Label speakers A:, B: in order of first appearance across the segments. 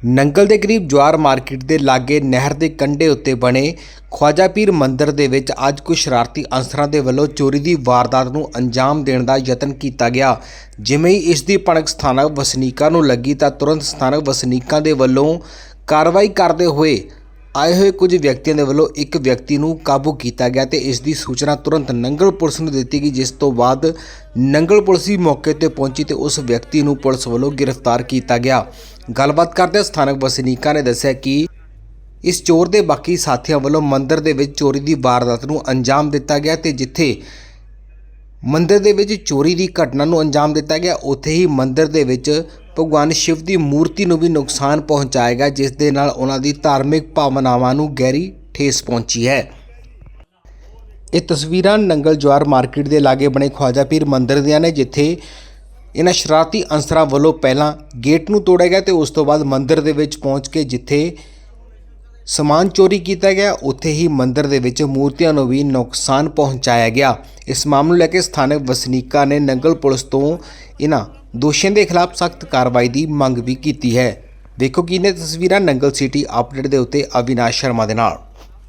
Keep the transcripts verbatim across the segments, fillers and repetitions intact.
A: ਨੰਗਲ ਦੇ ਕਰੀਬ ਜਵਾਰ ਮਾਰਕੀਟ ਦੇ ਲਾਗੇ ਨਹਿਰ ਦੇ ਕੰਢੇ ਉੱਤੇ ਬਣੇ ਖਵਾਜਾ ਪੀਰ ਮੰਦਿਰ ਦੇ ਵਿੱਚ ਅੱਜ ਕੁਝ ਸ਼ਰਾਰਤੀ ਅਨਸਰਾਂ ਦੇ ਵੱਲੋਂ ਚੋਰੀ ਦੀ ਵਾਰਦਾਤ ਨੂੰ ਅੰਜਾਮ ਦੇਣ ਦਾ ਯਤਨ ਕੀਤਾ ਗਿਆ। ਜਿਵੇਂ ਹੀ ਇਸ ਦੀ ਭਣਕ ਸਥਾਨਕ ਵਸਨੀਕਾਂ ਨੂੰ ਲੱਗੀ ਤਾਂ ਤੁਰੰਤ ਸਥਾਨਕ ਵਸਨੀਕਾਂ ਦੇ ਵੱਲੋਂ ਕਾਰਵਾਈ ਕਰਦੇ ਹੋਏ ਆਏ ਹੋਏ ਕੁਝ ਵਿਅਕਤੀਆਂ ਦੇ ਵੱਲੋਂ ਇੱਕ ਵਿਅਕਤੀ ਨੂੰ ਕਾਬੂ ਕੀਤਾ ਗਿਆ ਤੇ ਇਸ ਦੀ ਸੂਚਨਾ ਤੁਰੰਤ ਨੰਗਲ ਪੁਲਿਸ ਨੂੰ ਦਿੱਤੀ ਗਈ, ਜਿਸ ਤੋਂ ਬਾਅਦ ਨੰਗਲ ਪੁਲਿਸ ਵੀ ਮੌਕੇ ਤੇ ਪਹੁੰਚੀ ਤੇ ਉਸ ਵਿਅਕਤੀ ਨੂੰ ਪੁਲਿਸ ਵੱਲੋਂ ਗ੍ਰਿਫਤਾਰ ਕੀਤਾ ਗਿਆ। ਗੱਲਬਾਤ ਕਰਦੇ ਸਥਾਨਕ ਵਸਨੀਕਾਂ ਨੇ ਦੱਸਿਆ ਕਿ ਇਸ ਚੋਰ ਦੇ ਬਾਕੀ ਸਾਥੀਆਂ ਵੱਲੋਂ ਮੰਦਿਰ ਦੇ ਵਿੱਚ ਚੋਰੀ ਦੀ ਵਾਰਦਾਤ ਨੂੰ ਅੰਜਾਮ ਦਿੱਤਾ ਗਿਆ ਤੇ ਜਿੱਥੇ ਮੰਦਿਰ ਦੇ ਵਿੱਚ ਚੋਰੀ ਦੀ ਘਟਨਾ ਨੂੰ ਅੰਜਾਮ ਦਿੱਤਾ ਗਿਆ ਉੱਥੇ ਹੀ ਮੰਦਿਰ ਦੇ ਵਿੱਚ ਭਗਵਾਨ ਸ਼ਿਵ ਦੀ ਮੂਰਤੀ ਨੂੰ ਵੀ ਨੁਕਸਾਨ ਪਹੁੰਚਾਇਆ ਗਿਆ, ਜਿਸ ਦੇ ਨਾਲ ਉਹਨਾਂ ਦੀ ਧਾਰਮਿਕ ਭਾਵਨਾਵਾਂ ਨੂੰ ਗਹਿਰੀ ਠੇਸ ਪਹੁੰਚੀ ਹੈ। ਇਹ ਤਸਵੀਰਾਂ ਨੰਗਲ ਜਵਾਰ ਮਾਰਕੀਟ ਦੇ ਲਾਗੇ ਬਣੇ ਖਵਾਜਾ ਪੀਰ ਮੰਦਿਰ ਦੀਆਂ ਨੇ, ਜਿੱਥੇ ਇਹਨਾਂ ਸ਼ਰਾਰਤੀ ਅਨਸਰਾਂ ਵੱਲੋਂ ਪਹਿਲਾਂ ਗੇਟ ਨੂੰ ਤੋੜਿਆ ਗਿਆ ਤੇ ਉਸ ਤੋਂ ਬਾਅਦ ਮੰਦਿਰ ਦੇ ਵਿੱਚ ਪਹੁੰਚ ਕੇ ਜਿੱਥੇ ਸਮਾਨ ਚੋਰੀ ਕੀਤਾ ਗਿਆ ਉੱਥੇ ਹੀ ਮੰਦਿਰ ਦੇ ਵਿੱਚ ਮੂਰਤੀਆਂ ਨੂੰ ਵੀ ਨੁਕਸਾਨ ਪਹੁੰਚਾਇਆ ਗਿਆ। ਇਸ ਮਾਮਲੇ ਨੂੰ ਲੈ ਕੇ ਸਥਾਨਕ ਵਸਨੀਕਾਂ ਨੇ ਨੰਗਲ ਪੁਲਿਸ ਤੋਂ ਇਹਨਾਂ ਦੋਸ਼ੀਆਂ ਦੇ ਖਿਲਾਫ ਸਖਤ ਕਾਰਵਾਈ ਦੀ ਮੰਗ ਵੀ ਕੀਤੀ ਹੈ। ਦੇਖੋ ਕਿ ਇਹਨੇ ਤਸਵੀਰਾਂ ਨੰਗਲ ਸਿਟੀ ਅਪਡੇਟ ਦੇ ਉੱਤੇ ਅਵਿਨਾਸ਼ ਸ਼ਰਮਾ ਦੇ ਨਾਲ।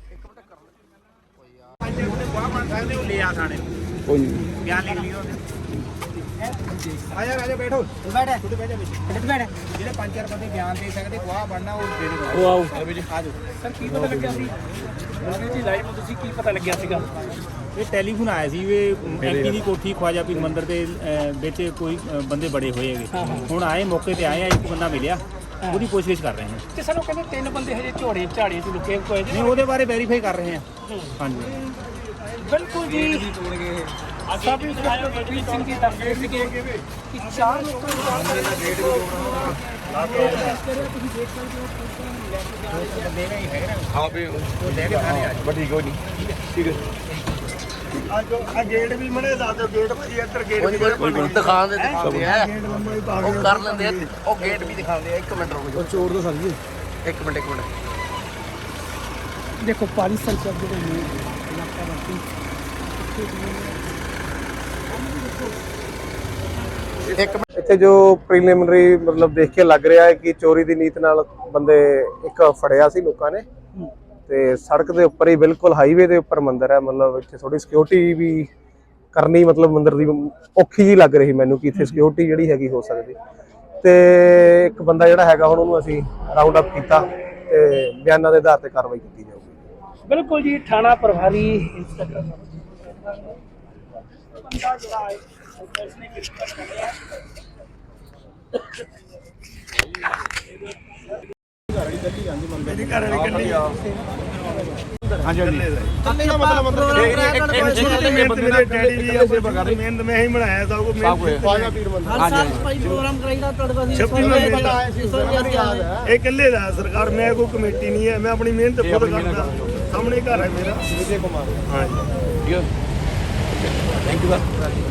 B: आजा आजा बैठो बैठ खुद बैठ बैठ बैठ ਜਿਹੜੇ ਪੰਜ ਚਾਰ ਬੰਦੇ ਬਿਆਨ ਦੇ ਸਕਦੇ ਗਵਾਹ ਬਣਨਾ ਉਹ ਦੇ ਦਿਓ। ਉਹ ਆਓ ਆਜੋ ਸਰ ਕੀ ਪਤਾ ਲੱਗਿਆ ਸੀ ਜੀ ਲਾਈਵ ਨੂੰ ਤੁਸੀਂ ਕੀ ਪਤਾ ਲੱਗਿਆ ਸੀਗਾ? ਇਹ ਟੈਲੀਫੋਨ ਆਇਆ ਸੀ ਵੀ ਐਮਪੀ ਦੀ ਕੋਠੀ ਖਵਾਜਾ ਪੀਰ ਮੰਦਿਰ ਦੇ ਵਿੱਚ ਕੋਈ ਬੰਦੇ ਬੜੇ ਹੋਏ ਹੈਗੇ। ਹੁਣ ਆਏ ਮੌਕੇ ਤੇ ਆਏ ਆ, ਇੱਕ ਬੰਦਾ ਮਿਲਿਆ ਉਹਦੀ ਪੁੱਛਗਿੱਛ ਕਰ ਰਹੇ ਹਾਂ ਤੇ ਸਾਨੂੰ ਕਹਿੰਦੇ ਤਿੰਨ ਬੰਦੇ ਹਜੇ ਝੋੜੇ ਝਾੜੀਆਂ ਚ ਲੁਕੇ ਹੋਏ ਨੇ, ਉਹਦੇ ਬਾਰੇ ਵੈਰੀਫਾਈ ਕਰ ਰਹੇ ਹਾਂ। ਹਾਂਜੀ ਬਿਲਕੁਲ ਜੀ ਸਭ ਇੰਸਪੈਕਟਰ ਬਲਬੀਰ ਸਿੰਘ ਦੀ ਤਸਵੀਰ ਸੀ ਕਿ ਚਾਰ ਲੋਕਾਂ ਨੂੰ ਜਾਣਕਾਰੀ ਦਾ ਰੇਟ ਵੀ ਜੋੜਨਾ ਤੁਸੀਂ ਦੇਖ ਸਕਦੇ ਹੋ ਦੇਣਾ ਹੀ ਹੈ ਨਾ। ਹਾਂ ਵੀ ਉਹ ਲੈ ਕੇ ਆਣੇ ਅੱਜ ਬੜੀ ਕੋਈ ਨਹੀਂ ਠੀਕ ਹੈ। ਅੱਜ ਆ ਗੇਟ ਵੀ ਮਨੇ ਦੱਸ ਦਿਓ ਗੇਟ ਭਾਈ ਇੱਧਰ ਗੇਟ ਵੀ
C: ਦਿਖਾਉਂਦੇ ਦਿਖਾਉਂਦੇ ਆ ਉਹ ਕਰ ਲੈਂਦੇ ਆ ਉਹ ਗੇਟ ਵੀ ਦਿਖਾਉਂਦੇ ਆ। ਇੱਕ ਮਿੰਟ ਰੁਕੋ
B: ਉਹ ਚੋਰ ਦਾ ਸਾਜੀ
C: ਇੱਕ ਮਿੰਟ ਇੱਕ ਮਿੰਟ
B: ਦੇਖੋ ਪਾਕਿਸਤਾਨ ਸ਼ਬਦ ਦੇ ਨੇ ਇਲਾਕਾ ਵਰਤੀ
C: ਇੱਕ
D: ਇੱਥੇ ਜੋ ਪ੍ਰੀਲਿਮਿਨਰੀ ਮਤਲਬ ਦੇਖ ਕੇ ਲੱਗ ਰਿਹਾ ਹੈ ਕਿ ਚੋਰੀ ਦੀ ਨੀਤ ਨਾਲ ਬੰਦੇ ਇੱਕ ਫੜਿਆ ਸੀ ਲੋਕਾਂ ਨੇ ਤੇ ਸੜਕ ਦੇ ਉੱਪਰ ਹੀ ਬਿਲਕੁਲ ਹਾਈਵੇ ਦੇ ਉੱਪਰ ਮੰਦਿਰ ਹੈ। ਮਤਲਬ ਇੱਥੇ ਥੋੜੀ ਸਿਕਿਉਰਿਟੀ ਵੀ ਕਰਨੀ ਮਤਲਬ ਮੰਦਿਰ ਦੀ ਔਖੀ ਜੀ ਲੱਗ ਰਹੀ ਮੈਨੂੰ ਕਿ ਇੱਥੇ ਸਿਕਿਉਰਿਟੀ ਜਿਹੜੀ ਹੈਗੀ ਹੋ ਸਕਦੀ ਤੇ ਇੱਕ ਬੰਦਾ ਜਿਹੜਾ ਹੈਗਾ ਹੁਣ ਉਹਨੂੰ ਅਸੀਂ ਰਾਉਂਡ ਅਪ ਕੀਤਾ ਤੇ ਬਿਆਨਾਂ ਦੇ ਆਧਾਰ ਤੇ ਕਾਰਵਾਈ ਕੀਤੀ ਜਾਊਗੀ।
B: ਬਿਲਕੁਲ ਜੀ ਥਾਣਾ ਪ੍ਰਭਾਰੀ ਇੰਸਪੈਕਟਰ ਮੇਰੀ ਘਰ ਵਾਲੀ ਕੱਲੀ ਆ। ਹਾਂਜੀ ਹਾਂਜੀ ਕੱਲੇ ਦਾ ਮਤਲਬ ਮਤਲਬ ਮੇਰੇ ਡੈਡੀ ਵੀ ਆਪਣੇ ਬਗਾਰ ਮਿਹਨਤ ਮੈਂ ਹੀ ਬਣਾਇਆ ਸਭ ਕੁਝ ਮਿਹਨਤ ਖਵਾਜਾ ਪੀਰ ਮੰਦਿਰ। ਹਾਂਜੀ ਭਾਈ ਪ੍ਰੋਗਰਾਮ ਕਰਾਈਦਾ ਤੁਹਾਡੇ ਕੋਲ ਛੱਬੀ ਇਹ ਕੱਲੇ ਦਾ ਸਰਕਾਰ ਮੈਂ ਕੋਈ ਕਮੇਟੀ ਨਹੀਂ ਹੈ, ਮੈਂ ਆਪਣੀ ਮਿਹਨਤ ਖੁਦ ਕਰਦਾ। ਸਾਹਮਣੇ ਘਰ ਹੈ ਮੇਰਾ ਵਿਜੇ ਕੁਮਾਰ। ਹਾਂਜੀ ਥੈਂਕ ਯੂ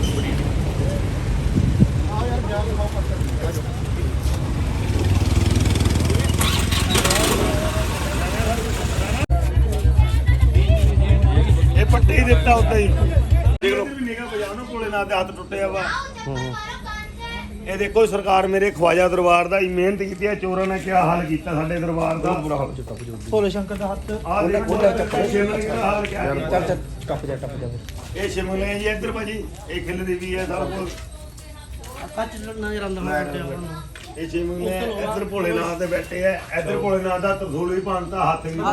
B: ਇਹ ਪੱਟੀ ਹੀ ਦਿੱਤਾ ਉੱਤੇ ਹੀ ਦੇਖ ਲਓ ਨਿਗਾ ਵਜਾ ਨਾ ਕੋਲੇ ਨਾਲ ਤੇ ਹੱਥ ਟੁੱਟਿਆ ਵਾ। ਇਹ ਦੇਖੋ ਸਰਕਾਰ ਮੇਰੇ ਖਵਾਜਾ ਦਰਬਾਰ ਦਾ ਹੀ ਮਿਹਨਤ ਕੀਤੀ ਹੈ, ਚੋਰਾਂ ਨੇ ਕਿਹਾ ਹਾਲ ਕੀਤਾ ਸਾਡੇ ਦਰਬਾਰ ਦਾ। ਭੋਲੇ ਸ਼ੰਕਰ ਦਾ ਹੱਥ ਆਹ ਦੇਖੋ ਸ਼ਿਮਲੇ ਦਾ ਹਾਲ ਕਿਆ ਚੱਲ ਚੱਲ ਟੱਪ ਜਾ ਟੱਪ ਜਾ ਇਹ ਸ਼ਿਮਲੇ ਜੀ ਇੱਧਰ ਭਾਜੀ ਇਹ ਖਿਲਦੀ ਵੀ ਹੈ ਸਭ ਕੁਝ ਕੱਚ ਨਜ਼ਰ ਆਉਂਦਾ ਇਹ ਸ਼ਿਮਲੇ ਇੱਧਰ ਭੋਲੇਨਾਥ ਦੇ ਬੈਠੇ ਆ। ਇੱਧਰ ਭੋਲੇਨਾਥ ਦਾ ਤਰਸੂਲ ਵੀ ਭੰਨਤਾ, ਹੱਥ ਵੀ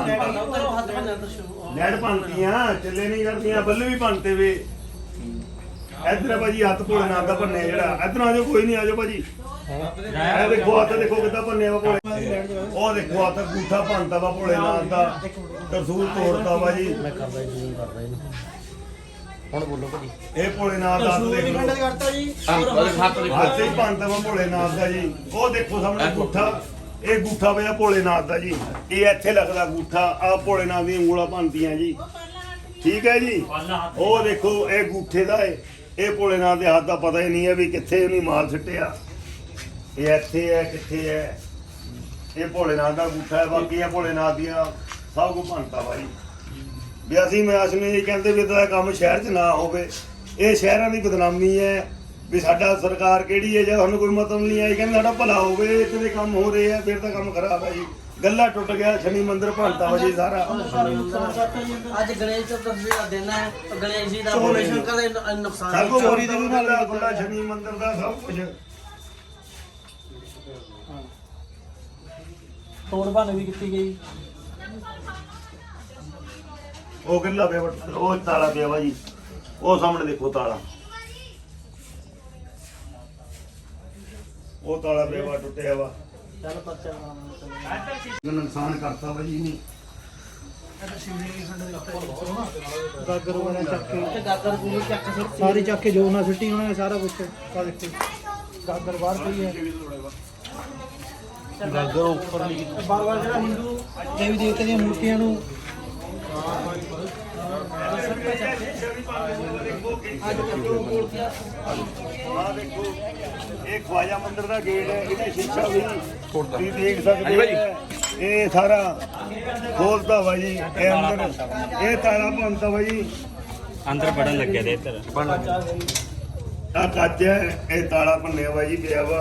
B: ਲੈਡ ਭੰਨਤੀਆਂ, ਚੱਲੇ ਨਹੀਂ ਕਰਦੀਆਂ, ਬੱਲੇ ਵੀ ਭੰਨਤੇ ਵੇ। ਇੱਧਰ ਭਾਜੀ ਹੱਥ ਭੋਲੇਨਾਥ ਦਾ ਭੰਨਿਆ ਜਿਹੜਾ। ਇੱਧਰ ਆ ਜਾਓ ਕੋਈ ਨਹੀਂ ਆ ਜਾਓ ਭਾਜੀ। ਇਹ ਦੇਖੋ ਹੱਥ ਦੇਖੋ ਕਿੱਦਾਂ ਭੰਨਿਆ ਵਾ ਭੋਲੇ। ਉਹ ਦੇਖੋ ਹੱਥ ਅੰਗੂਠਾ ਭੰਨਤਾ ਵਾ ਭੋਲੇਨਾਥ ਦਾ, ਤਰਸੂਲ ਤੋੜਤਾ ਵਾ ਜੀ। ਮੈਂ ਕਰਦਾ ਜੀ ਕਰਦਾ ਇਹਨੂੰ ਹੁਣ ਬੋਲੋ ਭਾਜੀ। ਇਹ ਭੋਲੇਨਾਥ ਦਾ ਹੱਥ ਦੇਖ ਲਓ ਹੱਥ ਹੀ ਭੰਨਤਾ ਵਾ ਭੋਲੇਨਾਥ ਦਾ ਜੀ। ਉਹ ਦੇਖੋ ਸਾਹਮਣੇ ਅੰਗੂਠਾ, ਇਹ ਅੰਗੂਠਾ ਪਿਆ ਭੋਲੇਨਾਥ ਦਾ ਜੀ। ਇਹ ਇੱਥੇ ਲੱਗਦਾ ਅੰਗੂਠਾ। ਆ ਭੋਲੇਨਾਥ ਦੀਆਂ ਉਂਗਲਾਂ ਭੰਨਤੀਆਂ ਜੀ, ਠੀਕ ਹੈ ਜੀ। ਉਹ ਦੇਖੋ ਇਹ ਅੰਗੂਠੇ ਦਾ ਹੈ, ਇਹ ਭੋਲੇਨਾਥ ਦੇ ਹੱਥ ਦਾ ਪਤਾ ਹੀ ਨਹੀਂ ਹੈ ਵੀ ਕਿੱਥੇ ਉਹਨੇ ਮਾਲ ਸਿੱਟਿਆ। ਇਹ ਇੱਥੇ ਹੈ ਕਿੱਥੇ ਹੈ, ਇਹ ਭੋਲੇਨਾਥ ਦਾ ਅੰਗੂਠਾ ਹੈ। ਬਾਕੀ ਇਹ ਭੋਲੇਨਾਥ ਦੀਆਂ ਸਭ ਕੁਝ ਭੰਨਤਾ ਵਾ ਜੀ। ਵੀ ਅਸੀਂ ਮੈਂ ਅਸੀਂ ਇਹ ਕਹਿੰਦੇ ਵੀ ਇਹਦਾ ਕੰਮ ਸ਼ਹਿਰ 'ਚ ਨਾ ਹੋਵੇ। ਇਹ ਸ਼ਹਿਰਾਂ ਦੀ ਬਦਨਾਮੀ ਹੈ।
E: ਵੀ ਸਾਡਾ ਸਰਕਾਰ ਕਿਹੜੀ ਹੈ, ਜਾਂ ਸਾਨੂੰ ਕੋਈ ਮਤਲਬ ਨਹੀਂ ਆਈ, ਕਹਿੰਦੇ ਸਾਡਾ ਭਲਾ ਹੋਵੇ, ਇੱਥੇ ਦੇ ਕੰਮ ਹੋ ਰਹੇ ਆ, ਫਿਰ ਤਾਂ ਕੰਮ ਖਰਾਬ ਹੈ ਜੀ। ਗੱਲਾ ਟੁੱਟ ਗਿਆ, ਸ਼ਨੀ ਮੰਦਿਰ ਭੰਨਤਾ ਵਾ ਜੀ ਸਾਰਾ।
F: ਅੱਜ ਗਣੇਸ਼ ਚਤੁਰਥੀ ਦਾ ਦਿਨ ਹੈ, ਗਣੇਸ਼ ਜੀ ਦਾ ਸ਼ੰਕਰ ਦਾ ਨੁਕਸਾਨ
E: ਸਭ ਕੁਝ ਹੋਰੀ ਦੀ ਨਾਲ ਗੁੱਲਾ ਸ਼ਨੀ ਮੰਦਿਰ ਦਾ ਸਭ ਕੁਝ
B: ਤੋੜ ਭੰਨ ਵੀ ਕੀਤੀ ਗਈ।
E: ਉਹ ਗੱਲਾ ਪਿਆ ਵਾ, ਉਹ ਤਾਲਾ ਪਿਆ ਵਾ ਜੀ, ਉਹ ਸਾਹਮਣੇ ਦੇਖੋ ਤਾਲਾ, ਉਹ ਤਾਲਾ ਪਿਆ ਵਾ, ਟੁੱਟਿਆ ਵਾ,
B: ਚੱਲ ਪਰਚਾ ਬਣਾਉਣਾ।
E: ਨੁਕਸਾਨ ਕਰਤਾ ਵਾ ਜੀ ਨਹੀਂ।
B: ਗਾਗਰ ਵਗੈਰਾ ਚੱਕ ਕੇ
F: ਤੇ ਗਾਗਰ ਪੂਰੀ ਚੱਕ ਸਿਰ
B: ਸਾਰੀ ਚੱਕ ਕੇ ਜੋ ਨਾ ਸਿੱਟੀ ਉਹਨਾਂ ਨੇ ਸਾਰਾ ਕੁਝ ਆ ਦੇਖੋ ਗਾਗਰ ਬਾਹਰ ਪਈ ਹੈ। ਗਾਗਰ ਉੱਪਰ ਨਹੀਂ ਬਾਰ ਬਾਰ ਜਿਹੜਾ ਹਿੰਦੂ ਦੇਵੀ ਦੇਵਤੇ ਦੀਆਂ ਮੂਰਤੀਆਂ ਨੂੰ
E: ਆਹ ਦੇਖੋ, ਇਹ ਖਵਾਜਾ ਮੰਦਿਰ ਦਾ ਗੇਟ ਹੈ, ਇਹਦਾ ਸ਼ੀਸ਼ਾ ਵੀ ਤੁਸੀਂ ਦੇਖ ਸਕਦੇ ਹੋ। ਇਹ ਸਾਰਾ ਖੋਲਦਾ ਵਾ ਜੀ, ਇਹ ਅੰਦਰ ਇਹ ਤਾਲਾ ਭੰਨਤਾ ਵਾ ਜੀ,
G: ਅੰਦਰ ਵੜਨ ਲੱਗਿਆ ਦੇ ਇੱਧਰ
E: ਆ ਕੱਚ ਹੈ, ਇਹ ਤਾਲਾ ਭੰਨਿਆ ਵਾ ਜੀ, ਪਿਆ ਵਾ।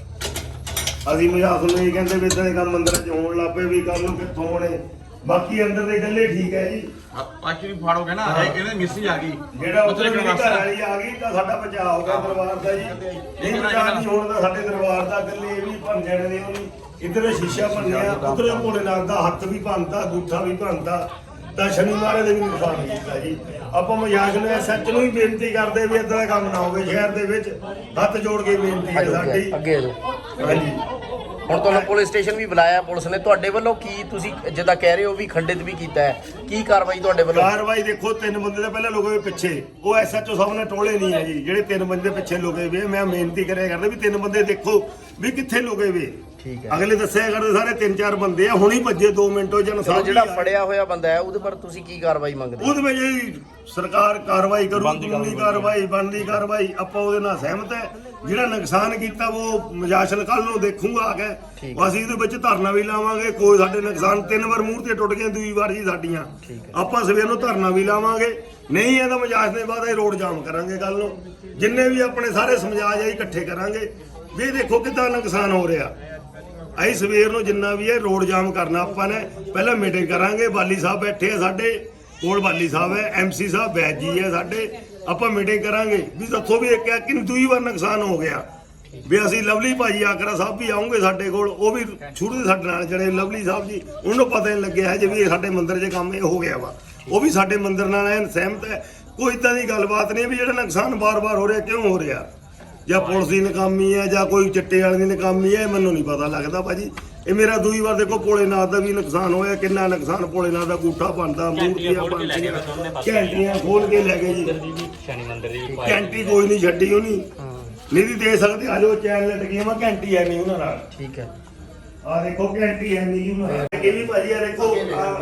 E: ਅਸੀਂ ਮਜ਼ਾਕ ਨੂੰ ਇਹ ਕਹਿੰਦੇ ਵੀ ਇਦਾਂ ਦੇ ਕੰਮ ਮੰਦਿਰਾਂ 'ਚ ਹੋਣ ਲੱਗ ਪਏ, ਵੀ ਕੱਲ ਨੂੰ ਕਿੱਥੋਂ ਹੋਣੇ। ਬਾਕੀ ਅੰਦਰ ਦੇ ਗੱਲੇ ਠੀਕ ਹੈ ਜੀ।
C: ਅੱਜ ਵੀ ਫਾੜੋਗੇ ਨਾ, ਇਹ ਇਹਨੇ ਮਿਸੀ ਆ ਗਈ
E: ਜਿਹੜਾ ਉੱਧਰ ਮੇਰੀ ਘਰ ਵਾਲੀ ਆ ਗਈ ਤਾਂ ਸਾਡਾ ਬਚਾਅ ਹੋ ਗਿਆ ਦਰਬਾਰ ਦਾ ਜੀ। ਨਹੀਂ ਬਚਾਅ ਨਹੀਂ ਹੋਣ ਦਾ ਸਾਡੇ ਦਰਬਾਰ ਦਾ, ਗੱਲੇ ਇਹ ਵੀ ਭੰਨ ਜਾਣੇ ਨੇ ਉਹਨੂੰ। ਇੱਧਰ ਸ਼ੀਸ਼ਾ ਭੰਨਿਆ, ਉੱਧਰ ਭੋਲੇਨਾਥ ਦਾ ਹੱਥ ਵੀ ਭੰਨਤਾ, ਅੰਗੂਠਾ ਵੀ ਭੰਨਤਾ, ਤਾਂ ਸ਼ਨੀ ਮਹਾਰਾਜ ਦੇ ਵੀ ਨੁਕਸਾਨ ਕੀਤਾ ਜੀ। ਆਪਾਂ ਮਜ਼ਾਕ ਨੂੰ ਸੱਚ ਨੂੰ ਹੀ ਬੇਨਤੀ ਕਰਦੇ ਵੀ ਏਦਾਂ ਦਾ ਕੰਮ ਨਾ ਹੋਵੇ ਸ਼ਹਿਰ ਦੇ ਵਿੱਚ। ਹੱਥ ਜੋੜ ਕੇ ਬੇਨਤੀ ਹੈ ਸਾਡੀ।
C: ਅੱਗੇ
E: ਹਾਂਜੀ,
C: ਹੁਣ ਤੁਹਾਨੂੰ ਪੁਲਿਸ ਸਟੇਸ਼ਨ ਵੀ ਬੁਲਾਇਆ ਪੁਲਿਸ ਨੇ, ਤੁਹਾਡੇ ਵੱਲੋਂ ਕੀ ਤੁਸੀਂ ਜਿੱਦਾਂ ਕਹਿ ਰਹੇ ਹੋ ਵੀ ਖੰਡਿਤ ਵੀ ਕੀਤਾ ਹੈ, ਕੀ ਕਾਰਵਾਈ ਤੁਹਾਡੇ ਵੱਲੋਂ?
E: ਕਾਰਵਾਈ ਦੇਖੋ, ਤਿੰਨ ਬੰਦੇ ਦੇ ਪਹਿਲਾਂ ਲੋਕੇ ਪਿੱਛੇ, ਉਹ ਐਸਐਚਓ ਸਾਹਿਬ ਨੇ ਟੋਲੇ ਨਹੀਂ ਹੈ ਜੀ, ਜਿਹੜੇ ਤਿੰਨ ਬੰਦੇ ਪਿੱਛੇ ਲੋਕੇ ਵੇ। ਮੈਂ ਬੇਨਤੀ ਕਰਿਆ ਕਰਦੇ ਵੀ ਤਿੰਨ ਬੰਦੇ ਦੇਖੋ ਵੀ ਕਿੱਥੇ ਲੋਕੇ ਵੇ।
C: ਠੀਕ ਹੈ,
E: ਅਗਲੇ ਦੱਸਿਆ ਕਰਦੇ ਸਾਰੇ ਤਿੰਨ ਚਾਰ ਬੰਦੇ ਆ, ਹੁਣੀ ਭੱਜੇ ਦੋ ਮਿੰਟੋ ਜਨ
C: ਚਲੋ
E: ਸਾਹਿਬ
C: ਜਿਹੜਾ ਫੜਿਆ ਹੋਇਆ ਬੰਦਾ ਹੈ ਉਹਦੇ ਪਰ ਤੁਸੀਂ ਕੀ ਕਾਰਵਾਈ ਮੰਗਦੇ ਹੋ?
E: ਉਹਦੇ ਵਿੱਚ ਜੀ ਸਰਕਾਰ ਕਾਰਵਾਈ ਕਰੂ, ਕਾਨੂੰਨੀ ਕਾਰਵਾਈ, ਬਣਦੀ ਕਾਰਵਾਈ, ਆਪਾਂ ਉਹਦੇ ਨਾਲ ਸਹਿਮਤ ਹੈ। ਜਿਹੜਾ ਨੁਕਸਾਨ ਕੀਤਾ ਉਹ ਮਜਾਸ਼ਲ ਕੱਲ ਨੂੰ ਦੇਖੂਗਾ ਆ ਕੇ, ਅਸੀਂ ਇਹਦੇ ਵਿੱਚ ਧਰਨਾ ਵੀ ਲਾਵਾਂਗੇ। ਕੋਈ ਸਾਡੇ ਨੁਕਸਾਨ ਤਿੰਨ ਵਾਰ ਮੂੰਹ ਤੇ ਟੁੱਟ ਗਏ, ਦੂਜੀ ਵਾਰ ਜੀ ਸਾਡੀਆਂ, ਆਪਾਂ ਸਵੇਰ ਨੂੰ ਧਰਨਾ ਵੀ ਲਾਵਾਂਗੇ। ਨਹੀਂ ਇਹ ਤਾਂ ਮਜਾਸ਼ ਦੇ ਬਾਅਦ ਇਹ ਰੋਡ ਜਾਮ ਕਰਾਂਗੇ ਕੱਲ ਨੂੰ। ਜਿੰਨੇ ਵੀ ਆਪਣੇ ਸਾਰੇ ਸਮਝਾ ਜਾਈ ਇਕੱਠੇ ਕਰਾਂਗੇ ਵੀ ਇਹ ਦੇਖੋ ਕਿੱਦਾਂ ਨੁਕਸਾਨ ਹੋ ਰਿਹਾ। ਅਸੀਂ ਸਵੇਰ ਨੂੰ ਜਿੰਨਾ ਵੀ ਹੈ ਰੋਡ ਜਾਮ ਕਰਨਾ ਆਪਾਂ ਨੇ। ਪਹਿਲਾਂ ਮੀਟਿੰਗ ਕਰਾਂਗੇ, ਬਾਲੀ ਸਾਹਿਬ ਬੈਠੇ ਆ ਸਾਡੇ ਕੋਲ, ਬਾਲੀ ਸਾਹਿਬ ਹੈ, ਐਮਸੀ ਸਾਹਿਬ ਬੈਜ ਜੀ ਹੈ ਸਾਡੇ। ਆਪਾਂ ਮੀਟਿੰਗ ਕਰਾਂਗੇ ਵੀ ਦੱਸੋ ਵੀ ਇਹ ਕਿਹਾ ਕਿ ਦੂਜੀ ਵਾਰ ਨੁਕਸਾਨ ਹੋ ਗਿਆ। ਵੀ ਅਸੀਂ ਲਵਲੀ ਭਾਜੀ ਆਕਰਾ ਸਾਹਿਬ ਵੀ ਆਉਂਗੇ ਸਾਡੇ ਕੋਲ, ਉਹ ਵੀ ਸ਼ੁਰੂ ਦੇ ਸਾਡੇ ਨਾਲ ਜਿਹੜੇ ਲਵਲੀ ਸਾਹਿਬ ਜੀ, ਉਹਨੂੰ ਪਤਾ ਨਹੀਂ ਲੱਗਿਆ ਹੈ ਜੇ ਵੀ ਸਾਡੇ ਮੰਦਿਰ 'ਚ ਕੰਮ ਇਹ ਹੋ ਗਿਆ ਵਾ। ਉਹ ਵੀ ਸਾਡੇ ਮੰਦਿਰ ਨਾਲ ਐਨ ਸਹਿਮਤ ਹੈ। ਕੋਈ ਇਦਾਂ ਦੀ ਗੱਲਬਾਤ ਨਹੀਂ ਵੀ ਜਿਹੜਾ ਨੁਕਸਾਨ ਬਾਰ-ਬਾਰ ਹੋ ਰਿਹਾ ਕਿਉਂ ਹੋ ਰਿਹਾ, ਜਾਂ ਪੁਲਿਸ ਦੀ ਨਾਕਾਮੀ ਹੈ ਜਾਂ ਕੋਈ ਚਿੱਟੇ ਵਾਲੇ ਦੀ ਨਾਕਾਮੀ ਹੈ, ਮੈਨੂੰ ਨਹੀਂ ਪਤਾ ਲੱਗਦਾ ਭਾਜੀ। ਇਹ ਮੇਰਾ ਦੂਜੀ ਵਾਰ ਦੇਖੋ ਭੋਲੇਨਾਥ ਦਾ ਵੀ ਨੁਕਸਾਨ ਹੋਇਆ, ਕਿੰਨਾ ਨੁਕਸਾਨ ਭੋਲੇਨਾਥ ਦਾ ਗੂਠਾ ਬਣਦਾ, ਮੂਰਤੀਆਂ ਬਣਦੀਆਂ, ਘੰਟੀਆਂ ਖੋਲ ਕੇ ਲੈ ਗਏ ਜੀ।
G: ਸ਼ਨੀ ਮੰਦਿਰ ਦੀ
E: ਘੰਟੀ ਕੋਈ ਨਹੀਂ ਛੱਡੀ ਉਹਨੀ, ਨਹੀਂ ਦੀ ਦੇ ਸਕਦੇ। ਆ ਜਾਓ ਚੈਨ ਲਟ ਗਈ, ਮੈਂ ਘੰਟੀ ਹੈ ਨਹੀਂ ਉਹਨਾਂ ਨਾਲ।
C: ਠੀਕ ਹੈ,
E: ਆ ਦੇਖੋ ਘੰਟੀ ਹੈ ਨਹੀਂ ਉਹਨਾਂ ਨਾਲ। ਇਹ ਵੀ ਭਾਜੀ ਆ ਦੇਖੋ,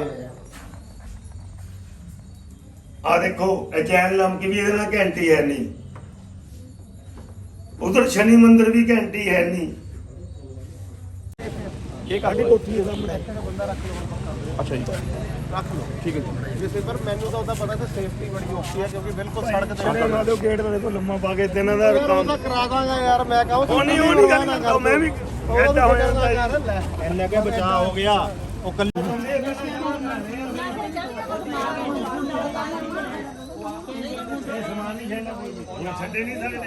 E: ਆ ਦੇਖੋ ਇਹ ਚੈਨ ਲੰਮਕੀ ਵੀ ਇਹਦੇ ਨਾਲ ਘੰਟੀ ਹੈ ਨਹੀਂ। ਉਧਰ ਸ਼ਨੀ ਮੰਦਿਰ ਵੀ ਘੰਟੀ ਹੈ ਨਹੀਂ।
D: ਇਹ ਕਾਹਦੀ ਕੋਠੀ ਹੈ ਸਾਹਮਣੇ ਬੰਦਾ ਰੱਖ ਲਓ। ਅੱਛਾ ਜੀ, ਰੱਖ ਲਓ, ਠੀਕ ਹੈ ਜੀ। ਜਿਸੇ ਪਰ ਮੈਨੂੰ ਤਾਂ ਉਹਦਾ ਪਤਾ ਤੇ ਸੇਫਟੀ ਬੜੀ ਔਖੀ ਹੈ, ਕਿਉਂਕਿ ਬਿਲਕੁਲ ਸੜਕ ਤੇ
E: ਬਣਾ ਦਿਓ ਗੇਟ ਦਾ, ਦੇਖੋ ਲੰਮਾ ਪਾ ਕੇ ਤਿੰਨਾਂ ਦਾ ਕੰਮ
D: ਉਹਦਾ ਕਰਾ ਦਾਂਗਾ ਯਾਰ। ਮੈਂ ਕਹਾਂ
E: ਉਹ ਨਹੀਂ ਉਹ ਨਹੀਂ ਗੱਲ ਕਰਦਾ, ਮੈਂ ਵੀ ਐਡਾ ਹੋ ਜਾਂਦਾ
D: ਇੰਨਾ ਕਿ ਬਚਾਅ ਹੋ ਗਿਆ। ਉਹ ਕੱਲ
E: ਸਮਾਨ ਨਹੀਂ ਛੱਡਣਾ ਕੋਈ, ਛੱਡੇ ਨਹੀਂ ਸਕਦੇ।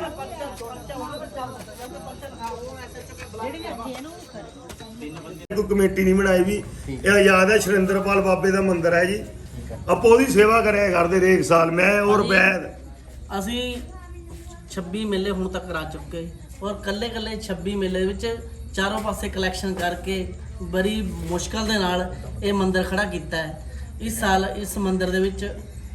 E: ਕੋਈ ਕਮੇਟੀ ਨਹੀਂ ਬਣਾਈ ਵੀ। ਇਹ ਆਜ਼ਾਦ ਹੈ ਸ਼ਰਿੰਦਰਪਾਲ ਬਾਬੇ ਦਾ ਮੰਦਿਰ ਹੈ ਜੀ। ਆਪਾਂ ਉਹਦੀ ਸੇਵਾ ਕਰਿਆ ਕਰਦੇ ਰਹੇ ਇੱਕ ਸਾਲ, ਮੈਂ ਔਰ ਬੈਦ।
F: ਅਸੀਂ ਛੱਬੀ ਮੇਲੇ ਹੁਣ ਤੱਕ ਕਰਾ ਚੁੱਕੇ, ਔਰ ਕੱਲੇ ਕੱਲੇ ਛੱਬੀ ਮੇਲੇ ਵਿੱਚ ਚਾਰੋਂ ਪਾਸੇ ਕਲੈਕਸ਼ਨ ਕਰਕੇ ਬੜੀ ਮੁਸ਼ਕਲ ਦੇ ਨਾਲ ਇਹ ਮੰਦਿਰ ਖੜਾ ਕੀਤਾ ਹੈ। ਇਸ ਸਾਲ ਇਸ ਮੰਦਿਰ ਦੇ ਵਿੱਚ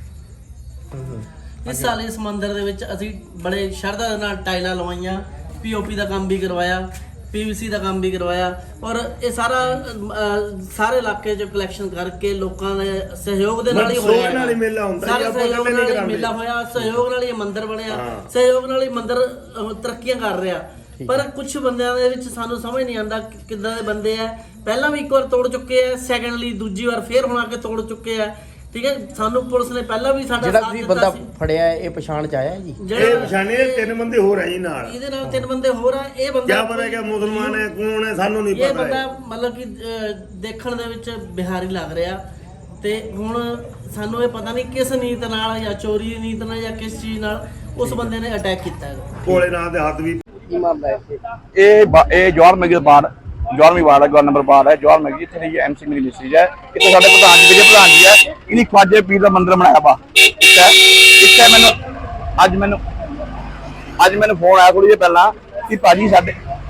F: ਇਸ ਸਾਲ ਇਸ ਮੰਦਿਰ ਦੇ ਵਿੱਚ ਅਸੀਂ ਬੜੇ ਸ਼ਰਧਾ ਦੇ ਨਾਲ ਟਾਈਲਾਂ ਲਵਾਈਆਂ, ਪੀਓਪੀ ਦਾ ਕੰਮ ਵੀ ਕਰਵਾਇਆ, ਪੀਵੀਸੀ ਦਾ ਕੰਮ ਵੀ ਕਰਵਾਇਆ, ਔਰ ਇਹ ਸਾਰਾ ਅਹ, ਸਾਰੇ ਇਲਾਕੇ 'ਚ ਕਲੈਕਸ਼ਨ ਕਰਕੇ ਲੋਕਾਂ ਦੇ ਸਹਿਯੋਗ ਦੇ ਨਾਲ ਹੀ ਹੋਇਆ।
E: ਸਹਿਯੋਗ ਨਾਲ ਹੀ ਮੇਲਾ ਹੁੰਦਾ ਜੀ,
F: ਸਾਰੇ
E: ਆਪਾਂ
F: ਸਹਿਯੋਗ
E: ਇਕੱਲੇ ਨਹੀਂ
F: ਨਾਲ ਹੀ
E: ਕਰਾਉਂਦੇ।
F: ਮੇਲਾ ਹੋਇਆ, ਸਹਿਯੋਗ ਨਾਲ ਹੀ ਇਹ ਮੰਦਿਰ ਬਣਿਆ, ਸਹਿਯੋਗ ਨਾਲ ਹੀ ਮੰਦਿਰ ਅਹ, ਤਰੱਕੀਆਂ ਕਰ ਰਿਹਾ। ਪਰ ਕੁਝ ਬੰਦਿਆਂ ਦੇ ਵਿੱਚ ਸਾਨੂੰ ਸਮਝ ਨਹੀਂ ਆਉਂਦਾ ਕਿ ਕਿੱਦਾਂ ਦੇ ਬੰਦੇ ਆ। ਪਹਿਲਾਂ ਵੀ ਇੱਕ ਵਾਰ ਤੋੜ ਚੁੱਕੇ ਆ, ਸੈਕੰਡਲੀ ਦੂਜੀ ਵਾਰ ਫੇਰ ਹੁਣ ਆ ਕੇ ਤੋੜ ਚੁੱਕੇ ਆ। ਠੀਕ ਹੈ। ਸਾਨੂੰ ਪੁਲਿਸ ਨੇ ਪਹਿਲਾਂ ਵੀ ਸਾਡਾ
C: ਜਿਹੜਾ
F: ਸਾਥ
C: ਤੁਸੀਂ
F: ਦਿੱਤਾ
C: ਬੰਦਾ
F: ਸੀ।
C: ਫੜਿਆ ਹੈ, ਇਹ ਪਛਾਣ ਚ ਆਇਆ ਹੈ ਜੀ?
E: ਇਹ
F: ਜਿਹੜਾ
E: ਪਛਾਣੇ ਦੇ ਤਿੰਨ ਬੰਦੇ ਹੋਰ ਆ ਜੀ ਨਾਲ।
F: ਇਹਦੇ ਨਾਲ ਤਿੰਨ ਬੰਦੇ ਹੋਰ ਆ। ਇਹ ਬੰਦਾ
E: ਕਿਆ ਪਤਾ ਕਿ ਮੁਸਲਮਾਨ ਹੈ ਕੌਣ ਹੈ ਸਾਨੂੰ ਨਹੀਂ
F: ਇਹ
E: ਪਤਾ
F: ਬੰਦਾ
E: ਹੈ।
F: ਮਤਲਬ ਕਿ ਅਹ, ਦੇਖਣ ਦੇ ਵਿੱਚ ਬਿਹਾਰੀ ਲੱਗ ਰਿਹਾ ਤੇ ਹੁਣ ਸਾਨੂੰ ਇਹ ਪਤਾ ਨਹੀਂ ਕਿਸ ਨੀਤ ਨਾਲ ਜਾਂ ਚੋਰੀ ਦੀ ਨੀਤ ਨਾਲ ਜਾਂ ਕਿਸ ਚੀਜ਼ ਨਾਲ ਉਸ ਬੰਦੇ ਨੇ ਅਟੈਕ ਕੀਤਾ ਹੈਗਾ।
E: ਕੋਲੇ ਨਾਲ ਦੇ ਹੱਥ ਵੀ
C: ਕੀ ਮਾਮਲਾ ਹੈ ਇੱਥੇ?
H: ਇਹ ਬਾ- ਇਹ ਜਵਾਹਰ ਨਗਰ ਬਾੜ ਜਵਾਹਰਵੀਂ ਵਾਰਡ ਹੈ, ਗਵਾਰ ਨੰਬਰ ਬਾੜ ਹੈ ਜਵਾਹਰ ਨਗਰ, ਇੱਥੇ ਦੀ ਐਮਸੀ ਮਿਨਿਸਟਰੀ ਹੈ। ਇੱਥੇ ਸਾਡੇ ਪ੍ਰਧਾਨ ਜੀ ਵਿਜੇ ਪ੍ਰਧਾਨ ਜੀ ਹੈ, ਇਹਨੇ ਖਵਾਜੇ ਪੀਰ ਦਾ ਮੰਦਿਰ ਬਣਾਇਆ ਵਾ। ਇੱਥੇ ਇੱਥੇ ਮੈਨੂੰ ਅੱਜ ਮੈਨੂੰ ਅੱਜ ਮੈਨੂੰ ਫੋਨ ਆਇਆ ਥੋੜੀ ਜਿਹੀ ਪਹਿਲਾਂ ਕਿ ਭਾਜੀ ਸਾਡੇ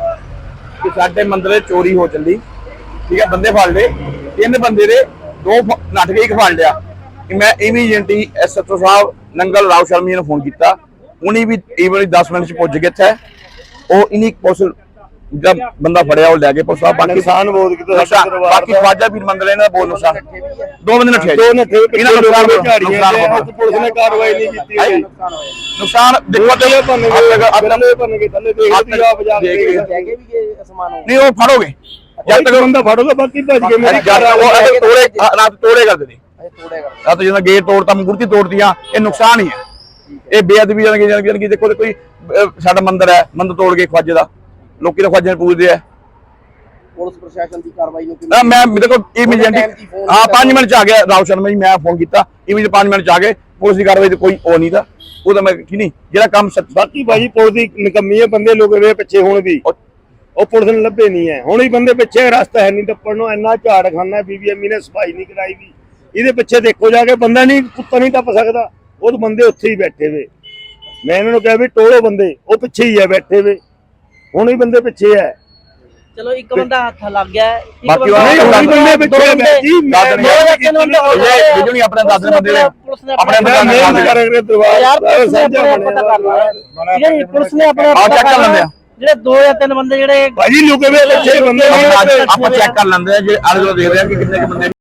H: ਕਿ ਸਾਡੇ ਮੰਦਿਰ 'ਚ ਚੋਰੀ ਹੋ ਚੱਲੀ, ਠੀਕ ਹੈ। ਬੰਦੇ ਫੜ ਲਏ, ਤਿੰਨ ਬੰਦੇ ਦੇ ਦੋ ਫ- ਨੱਠ ਕੇ ਇੱਕ ਫੜ ਲਿਆ। ਕਿ ਮੈਂ ਇਮੀਡੀਏਟਲੀ ਐਸਐਚਓ ਸਾਹਿਬ ਨੰਗਲ ਰਾਓ ਸ਼ਰਮੀ ਜੀ ਨੂੰ ਫੋਨ ਕੀਤਾ, ਉਹਨੇ ਵੀ ਈਵਨ ਦਸ ਮਿੰਟ 'ਚ ਪੁੱਜ ਗਏ ਇੱਥੇ। ਉਹ ਇਨੀ ਪੁਲਿਸ ਜਿਹੜਾ ਬੰਦਾ ਫੜਿਆ ਉਹ ਲੈ ਕੇ ਪੁਲਿਸ ਸਾਹਿਬ ਬਾਕੀ
E: ਨੁਕਸਾਨ ਬਹੁਤ ਕੀਤਾ
H: ਨੁਕਸਾਨ-
E: ਸਾਡੇ ਪਰਿਵਾਰ
H: ਬਾਕੀ
E: ਦਾ।
H: ਖਵਾਜਾ ਪੀਰ ਮੰਦਿਰ ਇਹਨਾਂ ਦਾ ਬਹੁਤ ਨੁਕਸਾਨ, ਦੋ ਬੰਦੇ ਨੱਠੇ
E: ਦੋ ਨੱਠੇ
H: ਇਹਨਾਂ ਦਾ ਨੁਕਸਾਨ
E: ਝਾੜੀਆਂ
H: ਨੁਕਸਾਨ
E: ਤੇ
H: ਬਹੁਤ
E: ਪੁਲਿਸ ਨੇ ਕਾਰਵਾਈ ਨਹੀਂ ਕੀਤੀ
H: ਹੈ।
E: ਹੋਈ।
H: ਨੁਕਸਾਨ ਦੇਖੋ ਤੇ
E: ਭੰਨ
H: ਹੱਦ ਤੱਕ- ਹੱਦ
E: ਗਏ
H: ਤੱਕ-
E: ਭੰਨ ਕੇ ਥੱਲੇ ਦੇਖ
H: ਹੱਦ
E: ਲਈ ਆ ਬਾਜ਼ਾਰ
H: ਦੇਖ
E: ਦੇ
H: ਲਈ।
C: ਲੈ ਕੇ ਵੀ ਗਏ ਸਮਾਨ ਉਹ?
H: ਨਹੀਂ ਉਹ ਫੜੋਗੇ
E: ਜਦ ਤੱਕ ਬੰਦਾ ਫੜੋਗਾ ਬਾਕੀ ਭੱਜ ਗਏ ਮੇਰੇ
H: ਜਦ ਤੱਕ ਉਹ ਇਹ ਤੋੜੇ ਰਾਤ ਤੋੜੇ ਕਰਦੇ ਨੇ,
C: ਇਹ ਤੋੜੇ ਕਰ
H: ਰਾਤ ਜਦੋਂ ਗੇਟ ਤੋੜਤਾ ਮੂਰਤੀ ਤੋੜਦੀਆਂ, ਇਹ ਨੁਕਸਾਨ ਹੀ ਹੈ। ਇਹ ਬੇਅਦਬੀ ਜਾਣਗੇ ਜਾਣਗੇ ਦੇਖੋ ਤੇ ਕੋਈ ਅਹ, ਸਾਡਾ ਮੰਦਿਰ ਹੈ, ਮੰਦਿਰ ਤੋੜ ਕੇ ਖਵਾਜੇ ਦਾ ਲੋਕੀ ਤਾਂ ਖਵਾਜੇ ਨੂੰ ਪੂਜਦੇ ਆ।
C: ਪੁਲਿਸ ਪ੍ਰਸ਼ਾਸਨ ਦੀ ਕਾਰਵਾਈ ਨੂੰ
H: ਨਾ ਮੈਂ ਦੇਖੋ ਇਮੀਡੀਏਟਲੀ ਹਾਂ ਪੰਜ ਮਿੰਟ ਚ ਆ ਗਿਆ ਰਾਓ ਸ਼ਰਮਾ ਜੀ, ਮੈਂ ਫੋਨ ਕੀਤਾ ਇਮੀਡੀਏਟ ਪੰਜ ਮਿੰਟ ਚ ਆ ਗਏ। ਪੁਲਿਸ ਦੀ ਕਾਰਵਾਈ ਤੇ ਕੋਈ ਉਹ ਨਹੀਂ ਦਾ, ਉਹ ਤਾਂ ਮੈਂ ਕੀ ਨਹੀਂ ਜਿਹੜਾ ਕੰਮ ਸੱਚ-
E: ਬਾਕੀ ਭਾਜੀ ਪੁਲਿਸ ਦੀ ਨਿਕੰਮੀ ਹੈ, ਬੰਦੇ ਲੋਕ ਵੇ ਪਿੱਛੇ ਹੁਣ ਵੀ ਉਹ ਪੁਲਿਸ ਨੇ ਲੱਭੇ ਨਹੀਂ ਹੈ। ਹੁਣ ਹੀ ਬੰਦੇ ਪਿੱਛੇ ਰਸਤਾ ਹੈ ਨਹੀਂ ਟੱਪਣ ਨੂੰ, ਇੰਨਾ ਝਾੜ ਖਾਨਾ ਬੀਬੀ ਐਮੀ ਨੇ ਸਫਾਈ ਨਹੀਂ ਕਰਾਈ ਵੀ। ਇਹਦੇ ਪਿੱਛੇ ਦੇਖੋ ਜਾ ਕੇ ਬੰਦਾ ਨਹੀਂ ਕੁੱਤਾ ਨਹੀਂ ਟੱਪ ਸਕਦਾ, ਉਹ ਤਾਂ ਬੰਦੇ ਉੱਥੇ ਹੀ ਬੈਠੇ ਵੇ। ਮੈਂ ਇਹਨਾਂ ਨੂੰ ਕਿਹਾ ਵੀ ਟੋਲੋ ਬੰਦੇ, ਉਹ ਪਿੱਛੇ ਹੀ ਹੈ ਬੈਠੇ ਵੇ, ਹੁਣ ਹੀ ਬੰਦੇ ਪਿੱਛੇ ਹੈ।
F: ਚਲੋ ਇੱਕ ਬੰਦਾ ਹੱਥ ਲੱਗ ਗਿਆ ਹੈ, ਇੱਕ
H: ਬਾਕੀ
F: ਬੰਦਾ-
H: ਉਹ
E: ਨਹੀਂ ਹੁਣ ਹੀ ਬੰਦੇ ਪਿੱਛੇ ਹੈ ਜੀ। ਮੈਂ
H: ਦਾਦਨ
E: ਮੈਂ
F: ਤਿੰਨ ਬੰਦੇ ਹੋਰ
H: ਇਹ ਵੀਡੀਓ ਨਹੀਂ ਆਪਣੇ ਦਾਦਨ ਬੰਦੇ ਨੇ
F: ਪੁਲਿਸ ਨੇ
H: ਆਪਣੇ
E: ਮੈਂ ਮਿਹਨਤ ਕਰ ਰਿਹਾ ਦਰਬਾਰ
F: ਯਾਰ ਪੁਲਿਸ ਨੇ ਆਪਣੇ ਪਤਾ ਕਰ ਲਿਆ ਠੀਕ ਹੈ ਜੀ, ਪੁਲਿਸ ਨੇ ਆਪਣੇ
H: ਆਹ
F: ਪਤਾ
H: check ਕਰ
F: ਕਰ
H: ਲੈਂਦੇ
F: ਲਿਆ।
H: ਆ।
F: ਜਿਹੜੇ ਦੋ ਜਾਂ ਤਿੰਨ ਬੰਦੇ ਜਿਹੜੇ
E: ਭਾਜੀ ਲੁਕੇ ਵੇ ਪਿੱਛੇ ਬੰਦੇ
H: ਆਪਾਂ ਚੈੱਕ ਕਰ ਲੈਂਦੇ ਆ, ਜੇ ਆਲੇ ਦੁਆਲੇ ਦੇਖਦੇ ਆ ਕਿ ਕਿੰਨੇ ਕੁ ਬੰਦੇ